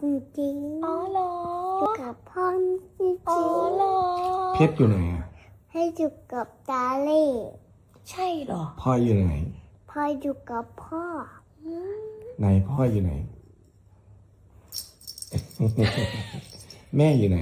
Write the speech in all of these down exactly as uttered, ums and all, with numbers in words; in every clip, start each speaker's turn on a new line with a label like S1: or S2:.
S1: จริง
S2: อ๋อเหรอ
S1: อยู่กับพ่อจริง
S2: อ๋อเหรอ
S3: เพชรอยู่ไหนอ่ะ
S1: ให้อยู่กับตาเล่
S2: ใช่เหรอ
S3: พ่ออยู่ไหน
S1: พ่ออยู่กับพ่อ
S2: อืม
S3: ไหนพ่ออยู่ไหน แม่อยู่ไหน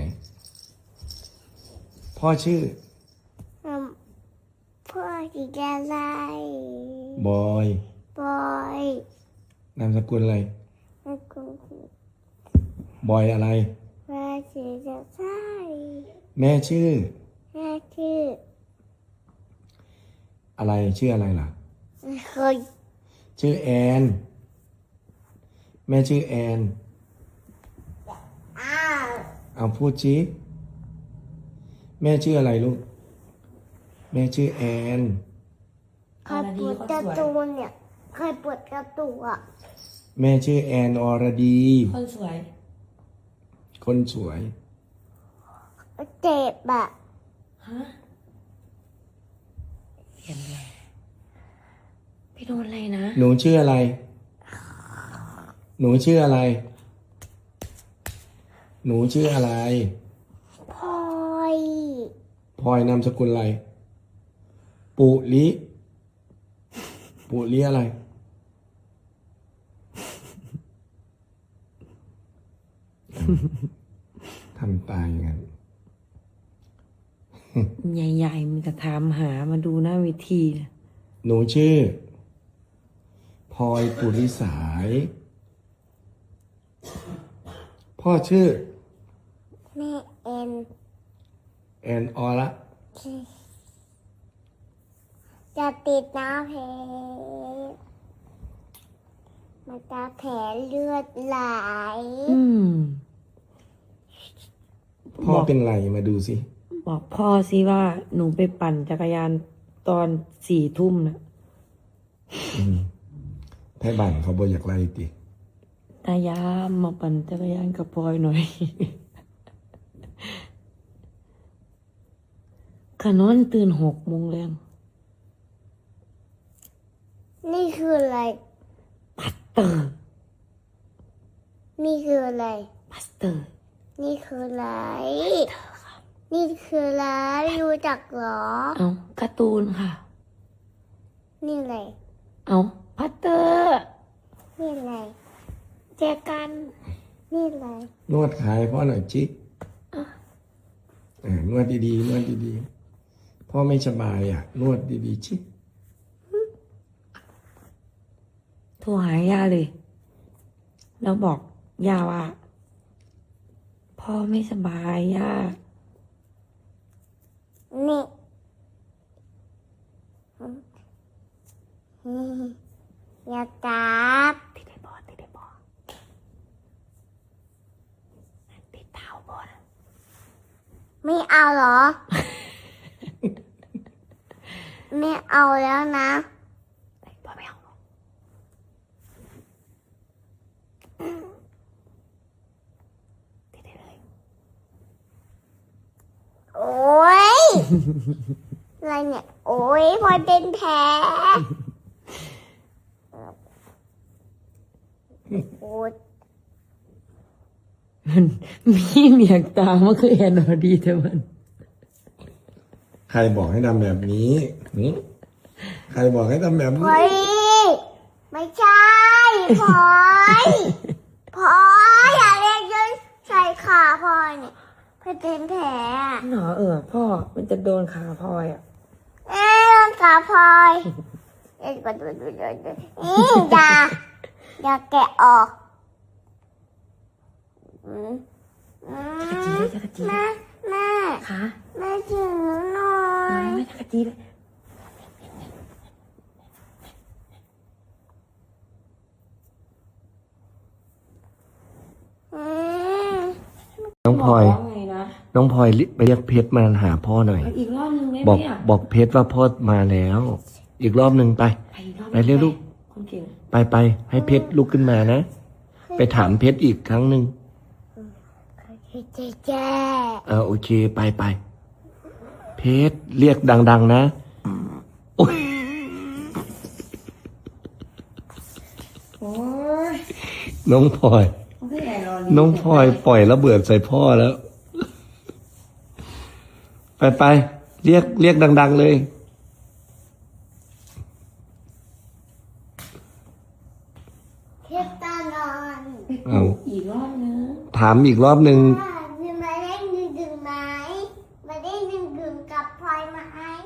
S3: พ่อชื่อ
S1: อืมพ่อชื่ออะไร
S3: บอย
S1: บอย
S3: นามสกุลอะไร
S1: แล้วก็
S3: บอยอะไร
S1: แม่ชื่อจะใช่
S3: แม่ชื่อ
S1: แม่ชื่อ
S3: อะไรชื่ออะไรล่ะ
S1: เคย
S3: ชื่อแอน แม่ชื่อแอน
S1: อ้าว
S3: เอาพูดชี้แม่ชื่ออะไรลูก แม่ชื่อแอน
S1: ใครปวดการะตูนเนี่ยใครปวดกระตูนอ่ะ
S3: แม่ชื่อแอนอรดี
S2: คนสวย
S3: คนสวย
S1: เจ็บอ่ะ
S2: ฮะเห็นเลยพี่โดนอะไรนะ
S3: หนูชื่ออะไร หนูชื่ออะไร หนูชื่ออะไร
S1: พลอย
S3: พลอยนามสกุลอะไร ปุลิปุลิอะไร ทำตายอย่างนั้น
S2: ใหญ่ๆมันจะถามหามาดูหน้าเวทีนะ
S3: หนูชื่อพลอยปุริสาย พ่อชื่อ
S1: แม่เอ็น
S3: แอนออละ
S1: จะติดน้ำเพชรมันจะแผลเลือดไหล
S2: อืม
S3: พ่อเป็นไรมาดูสิ
S2: บอกพ่อสิว่าหนูไปปั่นจักรยานตอนสี่ทุ่มนะ
S3: ไทยบ้านเขาบอกอยากไล่ติ
S2: ตายามมาปั่นจักรยานกับพลอยหน่อย ขนอนตื่นหกโมงแรง
S1: นี่คืออะไร
S2: ปัสเตอร์
S1: นี่คืออะไร
S2: ปัสเตอร์
S1: นี่คืออะไร นี่คืออะไรรู้จักเหรอ
S2: เอาการ์ตูนค่ะ
S1: นี่อะไร
S2: เอาพัตเตอร์
S1: นี่อะไร
S2: แจกัน
S1: นี่อะไร
S3: นวดขายพ่อหน่อยจิเออนวดดีๆนวดดีๆพ่อไม่สบายอ่ะ นวดดีๆชิ
S2: โทรหาย่าเลย แล้วบอกย่าว่า พ่อไม่สบายย่า
S1: นี่อืมอย่าจับ
S2: ติดได้บอติดได้บอติดเท้าบอนะ
S1: ไม่เอาเหรอ ไม่เอาแล้วนะ
S2: ไอ้บอไม่เอาหรอกติดได้เลย
S1: โอ๊ย อะไรเนี่ย โอ๊ยพลอยเป็นแผลโอ๊ย
S2: มันมีเมียงตามันคือแอนอดีแต่มัน
S3: ใครบอกให้ทำแบบนี้หึใครบอกให้ทำแบบ
S1: พล
S3: นี้
S1: อยไม่ใช่พลอยพลอยอย่าเรียกยืนใส่ขาพลอยเนี่ยพลอยเป็นแผลอะ
S2: หนอเออพ่อมันจะโดนขาพลอยอ่ะ
S1: เอ้ยโดนขาพลอยเอ้ยก็ดูดูดูดูนี่อย่าอย่าแกะออกอืมอืม
S2: จักรจี
S1: แม่แม่
S2: ขา
S1: แม่ถึงหน่อย
S2: ไม่จักรจีเลย
S1: อืม
S3: น้องพลอย
S2: บกว่าไงนะ
S3: น้องพลอยไปเรียกเพชรมาหาพ่อหน่อย
S2: ไปอีกรอบนึงได้ไห
S3: บ
S2: ม
S3: อก
S2: อ่ะ
S3: บอกเพชรว่าพ่อมาแล้ว อีกรอบหนึ่งไป
S2: ไปอีกรอบ
S3: ไปเร็วลูก
S2: คนเก่ง
S3: ไปไปให้เพชรลุกขึ้นมานะ ไปถามเพชรอีกครั้งหนึ่ง
S1: เจ๊เจ๊
S3: เออโอเคไปไปเพชรเรียกดัง ๆ นะโอ้ย
S2: โอ้ย
S3: น้องพลอย
S2: โอ้พี่แอนรอ
S3: น้องพลอยปล่อยระเบิดใส่พ่อแล้ว ไปไปเรียกเรียกดัง ๆ เลย
S1: เทปตานอน
S3: เอา
S2: อีกรอบนึง
S3: ถามอีกรอบหนึ่ง
S1: มีมาเล่นดึงดึงไหมมาเล่นดึงดึงกับพลอยไหม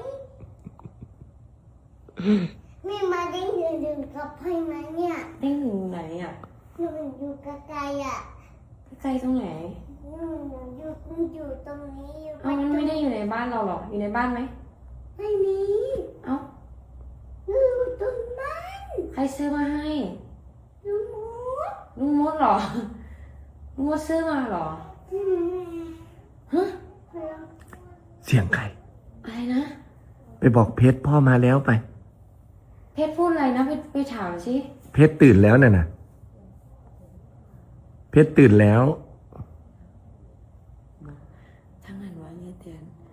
S1: มีมาเล่นดึงดึงกับพลอยไหมเนี่ย
S2: เด้งถึงไหนอ่ะ
S1: หนูอยู่ไกลๆอ่ะ
S2: ใกล้ตรงไหน
S1: หนูอยู่อยู่ตรงนี้อยู่
S2: เอามันไม่ได้อยู่ในบ้านเราหรอกอยู่ในบ้านไหม
S1: ไม่มี
S2: เอ้า
S1: หนูอยู่ตรงนั้น
S2: ใครซื้อมาให้
S1: หนูหมู
S2: ลุงมดเหรอลุงมดซื้อมาเหรอ
S1: อืม
S2: ฮะ
S3: เสียงใคร
S2: อะไรนะ
S3: ไปบอกเพชรพ่อมาแล้วไป
S2: เพชรพูดอะไรนะไปไปถามสิ
S3: เพชรตื่นแล้วน่ะนะเพชรตื่นแล้ว